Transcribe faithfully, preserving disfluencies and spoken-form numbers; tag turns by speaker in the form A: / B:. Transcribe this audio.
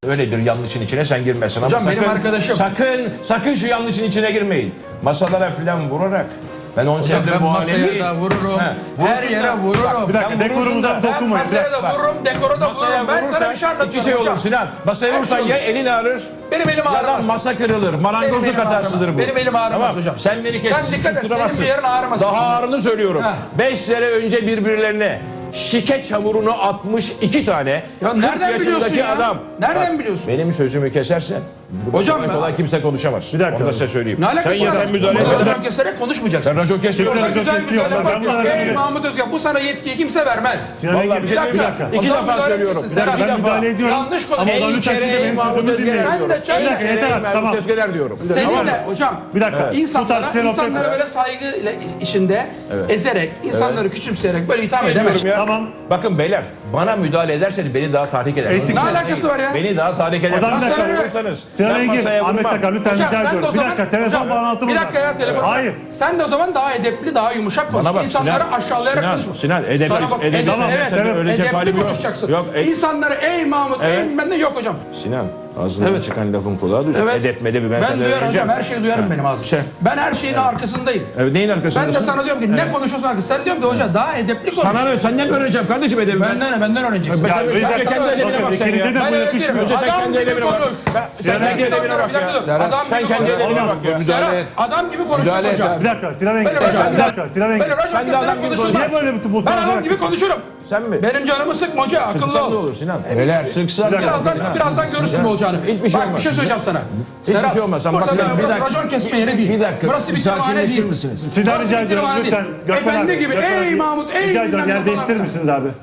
A: Öyledir, yanlışın içine sen girmesin.
B: Hocam
A: Ama
B: benim
A: sakın,
B: arkadaşım.
A: Sakın, sakın şu yanlışın içine girmeyin. Masalara filan vurarak. Ben on
B: Hocam
A: senedir
B: ben
A: bu
B: masaya
A: alemi...
B: da vururum.
A: He,
B: Her
A: vurursun
B: yere
A: da-
B: vururum.
C: Bir dakika,
A: Sen
C: dekorumuza
A: vurursun da-
B: Ben
C: dokunmayın.
B: masaya da
A: Bak,
B: vururum, dekora da
A: Masaya
B: vururum. Ben sana
A: vurursan
B: bir şey anlatıyorum
A: iki şey olur
B: hocam.
A: Sinan. Masaya
B: Her
A: vurursan
B: şey
A: ya
B: olur.
A: elin ağrır
B: Benim elim
A: ya da
B: ağrımaz.
A: masa kırılır.
B: Benim
A: Marangozluk
B: elim
A: hatasıdır
B: ağrımaz.
A: bu.
B: Benim elim ağrımaz
A: Tamam.
B: hocam.
A: Sen beni kes,
B: Sen dikkat et,
A: susturamazsın.
B: senin bir yerin ağrımaz.
A: Daha ağrını söylüyorum.
B: Ha.
A: Beş sene önce birbirlerine şike çamurunu atmış iki tane
B: Ya
A: kırk
B: nereden biliyorsun
A: yaşındaki
B: ya?
A: adam.
B: Nereden biliyorsun?
A: Benim sözümü kesersen burada
B: Hocam
A: kolay
B: ben-
A: kolay kimse konuşamaz.
C: Bir dakika.
A: Onu da size söyleyeyim.
B: Ne alakası
A: sen ya
B: var?
A: sen müdahale
B: Burada
A: et.
B: racon keserek konuşmayacaksın.
A: Sen racon kesmiyorsun.
B: Burada
C: Racon
B: güzel
C: kesiyor.
B: güzel
C: Ben bana
B: laflar. Ey
C: dedim.
B: Mahmut Özgen, bu sana yetkiyi kimse vermez.
C: Sinan
A: Vallahi
C: Engin,
A: bir şey
C: bir
A: diyeyim mi?
C: dakika.
A: İki
B: O zaman
A: defa
B: müdahale
A: söylüyorum.
B: edeceksin.
C: Bir dakika,
A: İki
C: ben
A: defa.
C: müdahale ediyorum.
B: Yanlış konuş.
C: Ama o zaman
A: En
C: lütfen
A: kere
C: siz de benim
A: Mahmut
C: sözümü
A: Özgener
C: dinleyin.
A: diyorum.
B: Sen de
A: En
B: söyle.
A: kere
C: Yeter artık,
A: Mahmut
C: tamam.
A: Özgener diyorum.
B: Senin
A: Tamam
B: de
A: mı?
B: hocam
C: Bir dakika. Bu
B: insanlara,
C: tartışmaya laf
B: insanları
C: etme.
B: böyle saygı ile işinde ezerek, insanları küçümseyerek böyle itham edemezsin.
A: Ya.
C: Tamam.
A: Bakın beyler, bana müdahale ederseniz beni daha tahrik edersiniz.
C: Etik-
B: Ne alakası var ya?
A: Beni daha tahrik edersiniz.
C: Adam bir dakika.
A: Masaya vurursanız,
C: Sinan
A: ben
C: Engin,
A: masaya
C: Ahmet
A: vurmam.
C: Çakar lütfen
B: Hocam
C: rica
B: sen de
C: ediyorum.
B: o
C: Bir
B: zaman...
C: dakika, telefon
B: Hocam,
C: bağlantımız
B: Bir dakika
C: var.
B: ya telefon.
C: Hayır.
B: Sen de o zaman daha edepli, daha yumuşak konuş.
A: Bana bak
B: İnsanları
A: Sinan,
B: aşağılayarak
A: Sinan,
B: konuşma.
A: Sinan, edep-
B: Sana bak,
A: edep-
B: edep-
A: tamam,
B: evet,
A: sen de
B: evet,
A: ölecek
B: edepli
A: halim yok.
B: konuşacaksın.
A: Yok, ey-
B: İnsanları ey Mahmut,
A: Evet.
B: ey bende yok hocam.
A: Sinan, ağzından
B: Evet.
A: çıkan lafın kulağa düşsün.
B: Evet.
A: Edep medep ben,
B: Ben
A: sana
B: duyarım
A: öğreneceğim.
B: hocam, her şeyi duyarım benim ağzım.
A: Şey-
B: Ben her şeyin arkasındayım.
A: Evet, neyin arkasındasın?
B: Ben de sana diyorum ki ne konuşuyorsun arkasında? Sen diyorum ki hoca daha edepli konuş.
A: Sana ne? Senden mi öğreneceğim kardeşim edebi?
B: Benden ne? Benden öğreneceksin.
A: Ben-
C: Ya,
A: sen-
C: bir
A: sen
C: dakika.
A: kendi edebine
C: Bakın,
A: bak sen ya.
C: ikinize de
B: Ben
C: bu
B: öyle
C: yakışmıyor.
B: diyorum.
A: Önce sen
B: Adam
A: kendi
B: gibi
A: edebine bak.
B: konuş.
A: Ben- Sen
C: Sinan
A: kendi
C: Engin,
A: edebine bak
B: Bir dakika
A: ya.
B: dur. Adam
A: Sen
B: gibi
A: kendi
B: konuş.
A: edebine bak ya.
B: Serhat, adam gibi konuşacak hocam.
C: Bir dakika, Sinan Engin.
B: Böyle
C: Bir
B: hocam.
C: dakika, Sinan Engin.
B: Böyle racon
A: Sen de adam
B: keserek
A: gibi
B: konuşulmaz.
C: Niye böyle bir bu
B: Ben adam gibi konuşurum.
A: Sen mi?
B: Benim canımı sıkma hoca, akıllı
A: Sıksan ne
B: ol.
A: olur Sinan?
B: Beyler,
A: Sıksan
C: Bir dakika,
B: Birazdan,
A: Sinan.
B: birazdan görürsün ne olacağını.
A: Hiçbir şey
B: Bak
A: olmaz.
B: bir şey söyleyeceğim sana.
A: Hiçbir şey olmaz. Sen
B: burası,
A: bak-
B: burası
A: bir dakika.
B: racon kesme yeri değil.
D: Bir dakika,
B: Burası bir
D: bir
B: kütüphane
D: sakinleşir
B: değil.
D: misiniz?
C: Sizden
B: Burası
C: rica
B: bir
C: ediyorum
B: kütüphane
C: lütfen.
B: değil.
C: Gökmen
B: Efendi
C: abi,
B: gibi
C: Gökmen
B: ey
C: abi,
B: Mahmut ey
C: rica ediyorum
B: bilmem ne
C: yer
B: falan
C: değiştirir
B: filan.
C: misiniz abi?